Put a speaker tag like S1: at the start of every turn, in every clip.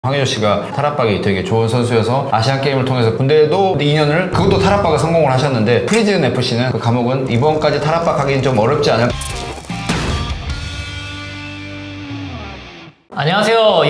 S1: 황의조 씨가 탈압박이 되게 좋은 선수여서 아시안게임을 통해서 군대에도 2년을 그것도 탈압박을 성공을 하셨는데 프리즌 FC는 그 감옥은 이번까지 탈압박하기는 좀 어렵지 않을까.
S2: 안녕하세요,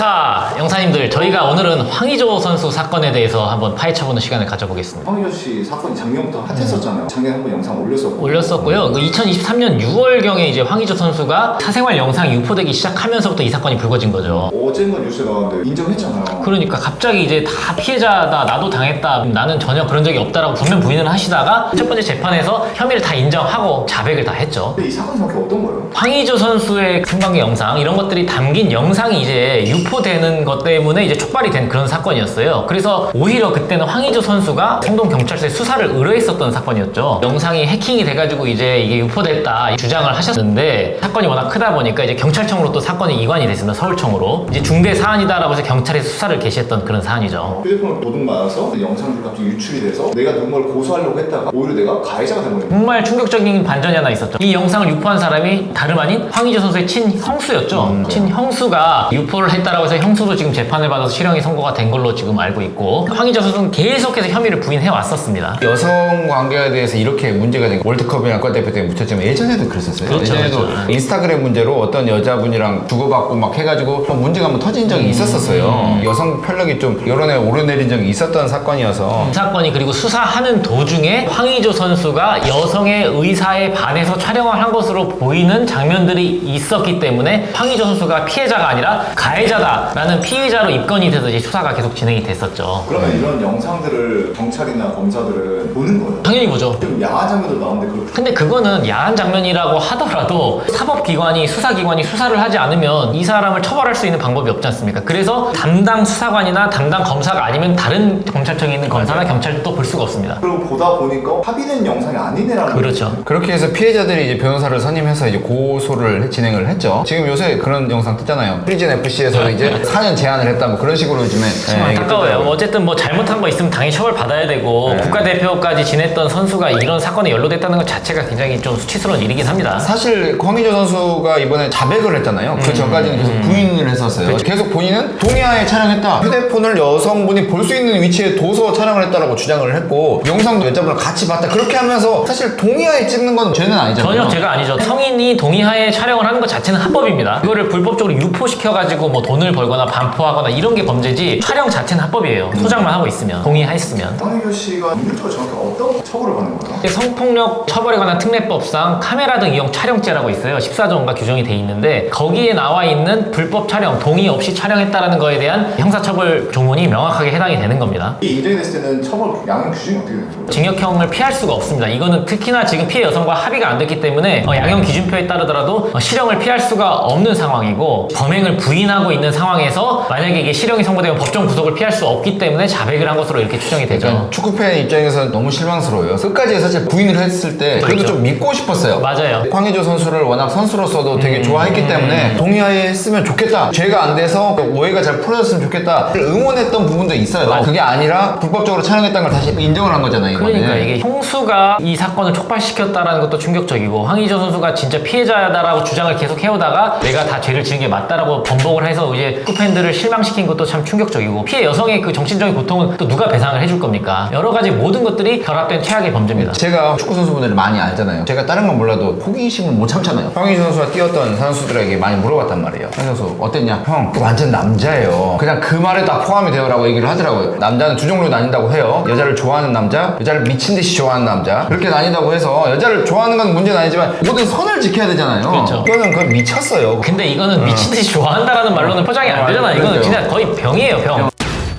S2: 영사님들. 저희가 오늘은 황의조 선수 사건에 대해서 한번 파헤쳐보는 시간을 가져보겠습니다.
S3: 황의조 씨 사건이 작년부터 핫했었잖아요. 작년에 한번 영상
S2: 올렸었고요. 2023년 6월경에 이제 황의조 선수가 사생활 영상이 유포되기 시작하면서부터 이 사건이 불거진 거죠.
S3: 어젠가 뉴스에 나왔는데 인정했잖아요.
S2: 그러니까 갑자기 이제 다 피해자다, 나도 당했다, 나는 전혀 그런 적이 없다라고 분명 부인을 하시다가 첫 번째 재판에서 혐의를 다 인정하고 자백을 다 했죠.
S3: 근데 이 사건이 정확히 어떤 거예요?
S2: 황의조 선수의 성관계 영상 이런 것들이 담긴 영상이 이제 유포되는 것 때문에 이제 촉발이 된 그런 사건이었어요. 그래서 오히려 그때는 황의조 선수가 성동 경찰서에 수사를 의뢰했었던 사건이었죠. 영상이 해킹이 돼가지고 이제 이게 유포됐다 주장을 하셨는데 사건이 워낙 크다 보니까 이제 경찰청으로 또 사건이 이관이 됐습니다. 서울청으로. 이제 중대 사안이다라고 해서 경찰에서 수사를 개시했던 그런 사안이죠.
S3: 휴대폰을 도둑맞아서 영상들이 갑자기 유출이 돼서 내가 누군가를 고소하려고 했다가 오히려 내가 가해자가 된 거예요.
S2: 정말 충격적인 반전이 하나 있었죠. 이 영상을 유포한 사람이 다름 아닌 황의조 선수의 친형수였죠. 친형수가 유포를 했다라고 해서 형수도 지금 재판을 받아서 실형이 선고가 된 걸로 지금 알고 있고 황의조 선수는 계속해서 혐의를 부인해 왔었습니다.
S1: 여성 관계에 대해서 이렇게 문제가 된 월드컵이나 국가대표 때 묻혔지만 예전에도 그랬었어요.
S2: 그렇죠,
S1: 예전에도
S2: 그렇죠.
S1: 인스타그램 문제로 어떤 여자분이랑 주고받고 막 해가지고 문제가 한번 터진 적이 있었었어요. 여성 편력이 좀 여론에 오르내린 적이 있었던 사건이어서
S2: 이 사건이 그리고 수사하는 도중에 황의조 선수가 여성의 의사에 반해서 촬영을 한 것으로 보이는 장면들이 있었기 때문에 황의조 선수가 피해자가 아니라 가해자다라는 피의자로 입건이 돼서 이제 수사가 계속 진행이 됐었죠.
S3: 그러면 이런 영상들을 경찰이나 검사들은 보는 거예요?
S2: 당연히 보죠.
S3: 좀 야한 장면도 나오는데 그렇게
S2: 근데 그거는 야한 장면이라고 하더라도 사법기관이 수사기관이 수사를 하지 않으면 이 사람을 처벌할 수 있는 방법이 없지 않습니까? 그래서 담당 수사관이나 담당 검사가 아니면 다른 검찰청에 있는 검사나 경찰도 볼 수가 없습니다.
S3: 그리고 보다 보니까 합의된 영상이 아니네라는
S2: 그렇죠.
S1: 그렇게 해서 피해자들이 이제 변호사를 선임해서 이제 고소를 진행을 했죠. 지금 요새 그런 영상 뜨잖아요. 프리즌 FC에서 이제 4년 제한을 했다 뭐 그런 식으로 요즘에
S2: 참 안타까워요. 어쨌든 뭐 잘못한 거 있으면 당연히 처벌 받아야 되고 국가대표까지 지냈던 선수가 이런 사건에 연루됐다는 것 자체가 굉장히 좀 수치스러운 일이긴 합니다.
S1: 사실 황의조 선수가 이번에 자백을 했잖아요. 그 전까지는 계속 부인을 했었어요.
S2: 그렇죠.
S1: 계속 본인은 동의하에 촬영했다. 휴대폰을 여성분이 볼 수 있는 위치에 둬서 촬영을 했다라고 주장을 했고 영상도 여자분을 같이 봤다. 그렇게 하면서 사실 동의하에 찍는 건 죄는 아니잖아요.
S2: 전혀 죄가 아니죠. 성인이 동의하에 촬영을 하는 것 자체는 합법입니다. 이거를 불법적으로 유포시켜가지고 뭐 돈을 벌거나 반포하거나 이런 게 범죄지 촬영 자체는 합법이에요. 소장만 하고 있으면, 동의했으면.
S3: 황의조 씨가 민주적으로 정확히 어떤 처벌을 받는 거예요?
S2: 성폭력 처벌에 관한 특례법상 카메라 등 이용 촬영죄라고 있어요. 14조인가 규정이 돼 있는데 거기에 나와 있는 불법 촬영, 동의 없이 촬영했다라는 거에 대한 형사처벌 조문이 명확하게 해당이 되는 겁니다.
S3: 이 인정이 됐을 때는 처벌 양형 규정이 어떻게 되는 거예요?
S2: 징역형을 피할 수가 없습니다. 이거는 특히나 지금 피해 여성과 합의가 안 됐기 때문에 양형 기준표에 따르더라도 실형을 피할 수가 없는 상황이고 범행을 부인하고 있는 상황에서 만약에 이게 실형이 선고되면 법정 구속을 피할 수 없기 때문에 자백을 한 것으로 이렇게 추정이 되죠.
S1: 그러니까 축구팬 입장에서는 너무 실망스러워요. 끝까지 사실 부인을 했을 때 그래도
S2: 그렇죠.
S1: 좀 믿고 싶었어요.
S2: 맞아요.
S1: 황의조 선수를 워낙 선수로서도 되게 좋아했기 때문에 동의하에 했으면 좋겠다. 죄가 안 돼서 오해가 잘 풀어졌으면 좋겠다. 응원했던 부분도 있어요. 그게 아니라 불법적으로 촬영했다는 걸 다시 인정을 한 거잖아요. 이번에.
S2: 그러니까 이게 형수가 이 사건을 촉발시켰다라는 것도 충격적이고 황의조 선수가 진짜 피해자다라고 주장을 계속 해오다가 내가 다 죄를 지은 게 맞다라고 번복을 해서 이제 축구팬들을 실망시킨 것도 참 충격적이고 피해 여성의 그 정신적인 고통은 또 누가 배상을 해줄 겁니까? 여러 가지 모든 것들이 결합된 최악의 범죄입니다.
S1: 제가 축구 선수분들을 많이 알잖아요. 제가 다른 건 몰라도 호기심을 못 참잖아요. 황의조 선수가 뛰었던 선수들에게 많이 물어봤단 말이에요. 황의조 선수 어땠냐? 형, 그 완전 남자예요. 그냥 그 말에 다 포함이 되어라고 얘기를 하더라고요. 남자는 두 종류로 나뉜다고 해요. 여자를 좋아하는 남자, 여자를 미친 듯이 좋아하는 남자. 그렇게 나뉜다고 해서 여자를 좋아하는 건 문제는 아니지만 모든 선을 지켜야 되잖아요.
S2: 그렇죠.
S1: 그거는 그건 미쳤어요.
S2: 근데 이거는 미친 듯이 좋아한다라는 말로는 포장이 안 되잖아. 이거는
S1: 그러게요.
S2: 진짜 거의 병이에요, 병.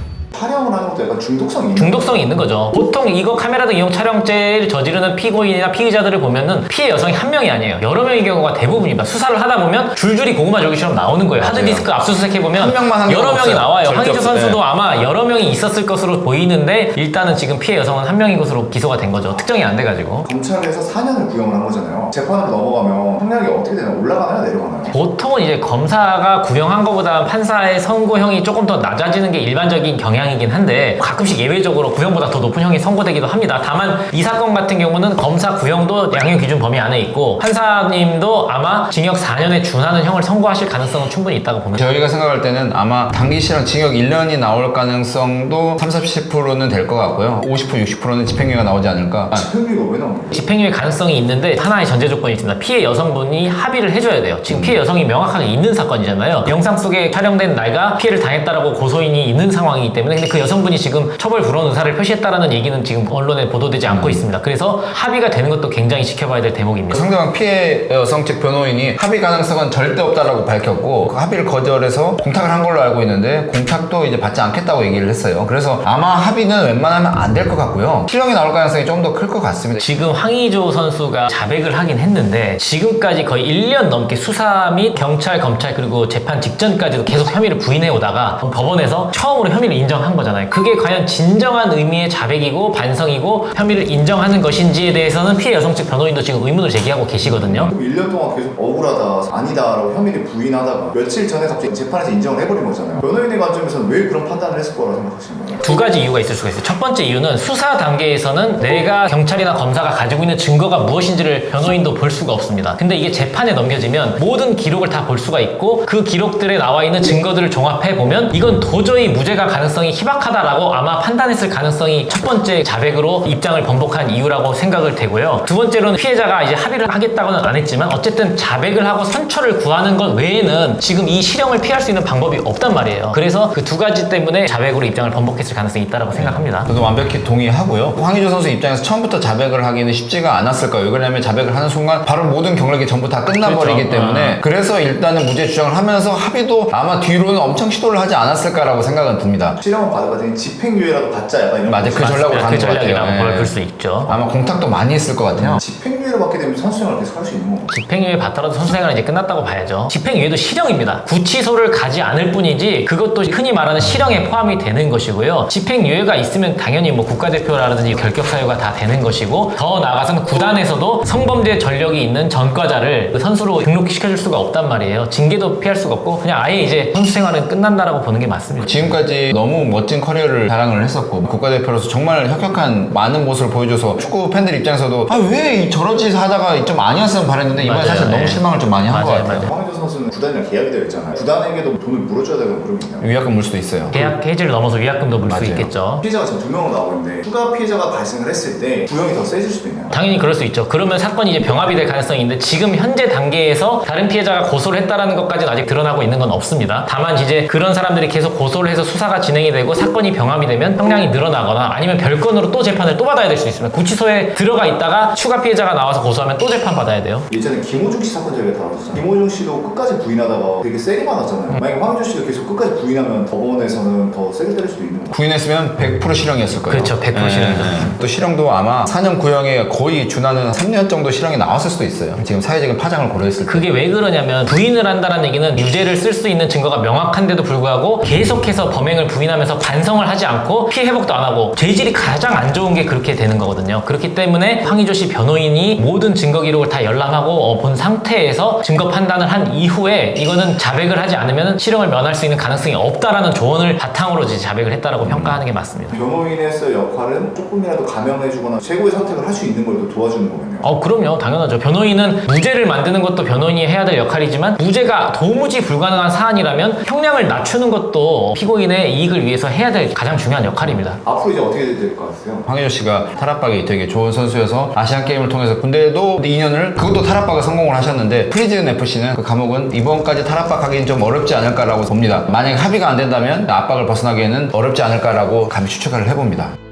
S3: 촬영을 하는 것도 약간 중독성이 있는
S2: 중독성이 있는 거죠. 보통 이거 카메라 등 이용 촬영죄를 저지르는 피고인이나 피의자들을 보면은 피해 여성이 한 명이 아니에요. 여러 명의 경우가 대부분입니다. 수사를 하다 보면 줄줄이 고구마 조기처럼 나오는 거예요. 하드디스크 압수수색 해보면
S1: 한 명만 한
S2: 여러
S1: 경우
S2: 명이
S1: 없어요.
S2: 나와요.
S1: 절대
S2: 황의조
S1: 없어요.
S2: 선수도
S1: 네.
S2: 아마 여러 명이 있었을 것으로 보이는데 일단은 지금 피해 여성은 한 명인 것으로 기소가 된 거죠. 특정이 안 돼가지고.
S3: 검찰에서 4년을 구형을 한 거잖아요. 재판으로 넘어가면 형량이 어떻게 되나 올라가나요? 내려가나요?
S2: 보통은 이제 검사가 구형한 것보다 판사의 선고형이 조금 더 낮아지는 게 일반적인 경향이 양형이긴 한데 가끔씩 예외적으로 구형보다 더 높은 형이 선고되기도 합니다. 다만 이 사건 같은 경우는 검사 구형도 양형 기준 범위 안에 있고 판사님도 아마 징역 4년에 준하는 형을 선고하실 가능성은 충분히 있다고 봅니다.
S1: 저희가 생각할 때는 아마 단기실형 징역 1년이 나올 가능성도 30-40%는 될 것 같고요. 50% 60%는 집행유예가 나오지 않을까.
S3: 집행유예가 왜 나오는 거예요?
S2: 집행유예 가능성이 있는데 하나의 전제 조건이 있습니다. 피해 여성분이 합의를 해줘야 돼요. 지금 피해 여성이 명확하게 있는 사건이잖아요. 영상 속에 촬영된 내가 피해를 당했다라고 고소인이 있는 상황이기 때문에 근데 그 여성분이 지금 처벌 불허 의사를 표시했다라는 얘기는 지금 언론에 보도되지 않고 있습니다. 그래서 합의가 되는 것도 굉장히 지켜봐야 될 대목입니다.
S1: 상대방 피해 여성 측 변호인이 합의 가능성은 절대 없다라고 밝혔고 그 합의를 거절해서 공탁을 한 걸로 알고 있는데 공탁도 이제 받지 않겠다고 얘기를 했어요. 그래서 아마 합의는 웬만하면 안 될 것 같고요. 실형이 나올 가능성이 좀 더 클 것 같습니다.
S2: 지금 황의조 선수가 자백을 하긴 했는데 지금까지 거의 1년 넘게 수사 및 경찰, 검찰 그리고 재판 직전까지도 계속 혐의를 부인해 오다가 법원에서 처음으로 혐의를 인정한 거잖아요. 그게 과연 진정한 의미의 자백이고 반성이고 혐의를 인정하는 것인지에 대해서는 피해 여성 측 변호인도 지금 의문을 제기하고 계시거든요.
S3: 그럼 1년 동안 계속 억울하다, 아니다라고 혐의를 부인하다가 며칠 전에 갑자기 재판에서 인정을 해버린 거잖아요. 변호인의 관점에서는 왜 그런 판단을 했을 거라고 생각하시는 거예요?
S2: 두 가지 이유가 있을 수가 있어요. 첫 번째 이유는 수사 단계에서는 내가 경찰이나 검사가 가지고 있는 증거가 무엇인지를 변호인도 볼 수가 없습니다. 근데 이게 재판에 넘겨지면 모든 기록을 다 볼 수가 있고 그 기록들에 나와 있는 증거들을 종합해 보면 이건 도저히 무죄가 가능성이 희박하다라고 아마 판단했을 가능성이 첫 번째 자백으로 입장을 번복한 이유라고 생각을 되고요. 두 번째로는 피해자가 이제 합의를 하겠다고는 안 했지만 어쨌든 자백을 하고 선처를 구하는 것 외에는 지금 이 실형을 피할 수 있는 방법이 없단 말이에요. 그래서 그 두 가지 때문에 자백으로 입장을 번복했을 가능성이 있다고 생각합니다.
S1: 저도 완벽히 동의하고요. 황의조 선수 입장에서 처음부터 자백을 하기는 쉽지가 않았을 거예요. 왜냐하면 자백을 하는 순간 바로 모든 경력이 전부 다 끝나버리기
S2: 그렇죠.
S1: 때문에 그래서 일단은 무죄 주장을 하면서 합의도 아마 뒤로는 엄청 시도를 하지 않았을까라고 생각은 듭니다.
S3: 실형은 받을 집행유예라도 받자 약간 이런
S1: 맞아요. 그 전략으로 가는
S2: 그
S1: 것 같아요.
S2: 전략이라고 볼 수 있죠.
S1: 아마 공탁도 많이 했을 것 같아요.
S3: 집행유예를 받게 되면 선수생활을 계속 할 수 있는 건가요?
S2: 집행유예 받더라도 선수생활은 이제 끝났다고 봐야죠. 집행유예도 실형입니다. 구치소를 가지 않을 뿐이지 그것도 흔히 말하는 실형에 포함이 되는 것이고요. 집행유예가 있으면 당연히 뭐 국가대표라든지 결격사유가 다 되는 것이고 더 나아가서는 구단에서도 성범죄 전력이 있는 전과자를 그 선수로 등록시켜줄 수가 없단 말이에요. 징계도 피할 수가 없고 그냥 아예 이제 선수생활은 끝난다라고 보는 게 맞습니다.
S1: 지금까지 너무 멋진 커리어를 자랑을 했었고 국가대표로서 정말 혁혁한 많은 모습을 보여줘서 축구 팬들 입장에서도 아 왜 저런 짓 하다가 좀 아니었으면 바랬는데 이번에
S2: 맞아요.
S1: 사실 너무
S2: 네.
S1: 실망을 좀 많이 한 것
S2: 맞아요,
S1: 같아요.
S2: 맞아요.
S3: 황의조 선수는 구단이랑 계약이 되어 있잖아요. 구단에게도 돈을 물어줘야 되는 그런 게 있나요?
S1: 위약금 물 수도 있어요.
S2: 계약 해지를 넘어서 위약금도 물 수
S1: 맞아요.
S2: 있겠죠.
S3: 피해자가 지금 2명으로 나오고 있는데 추가 피해자가 발생을 했을 때 구형이 더 세질 수도 있나요?
S2: 당연히 그럴 수 있죠. 그러면 사건이 이제 병합이 될 가능성이 있는데 지금 현재 단계에서 다른 피해자가 고소를 했다라는 것까지는 아직 드러나고 있는 건 없습니다. 다만 이제 그런 사람들이 계속 고소를 해서 수사가 진행이 되고 사건이 병합이 되면 형량이 늘어나거나 아니면 별건으로 또 재판을 또 받아야 될 수 있습니다. 구치소에 들어가 있다가 추가 피해자가 나와서 고소하면 또 재판 받아야 돼요.
S3: 예전에 김호중 씨 사건 저희가 다뤘었잖아요. 김호중 씨도 끝까지 부인하다가 되게 세게 맞았잖아요. 만약에 황의조 씨도 계속 끝까지 부인하면 법원에서는 더 세게 때릴 수도 있는 거예요.
S1: 구인했으면 100% 실형이었을 거예요.
S2: 그렇죠. 100% 실형이죠.
S1: 또 실형도 아마 4년 구형에 거의 준하는 3년 정도 실형이 나왔을 수도 있어요. 지금 사회적인 파장을 고려했을 때.
S2: 그게 왜 그러냐면 부인을 한다는 얘기는 유죄를 쓸 수 있는 증거가 명확한데도 불구하고 계속해서 범행을 부인하면서 반성을 하지 않고 피해 회복도 안 하고 죄질이 가장 안 좋은 게 그렇게 되는 거거든요. 그렇기 때문에 황의조 씨 변호인이 모든 증거 기록을 다 열람하고 본 상태에서 증거 판단을 한 이후에 이거는 자백을 하지 않으면 실형을 면할 수 있는 가능성이 없다라는 조언을 바탕으로 이제 자백을 했다라고 평가하는 게 맞습니다.
S3: 변호인에서의 역할은 조금이라도 감형해주거나 최고의 선택을 할 수 있는 걸 또 도와주는 거군요.
S2: 그럼요. 당연하죠. 변호인은 무죄를 만드는 것도 변호인이 해야 될 역할이지만 무죄가 도무지 불가능한 사안이라면 형량을 낮추는 것도 피고인의 이익을 위해서 해야 될 가장 중요한 역할입니다.
S3: 앞으로 이제 어떻게 될 것 같으세요?
S1: 황의조 씨가 탈압박이 되게 좋은 선수여서 아시안 게임을 통해서 군대에도 2년을 그것도 탈압박을 성공을 하셨는데 프리즌 FC는 그 감옥은 이번까지 탈압박하기는 좀 어렵지 않을까라고 봅니다. 만약 합의가 안 된다면 압박을 벗어나기에는 어렵지 않을까라고 감히 추측을 해봅니다.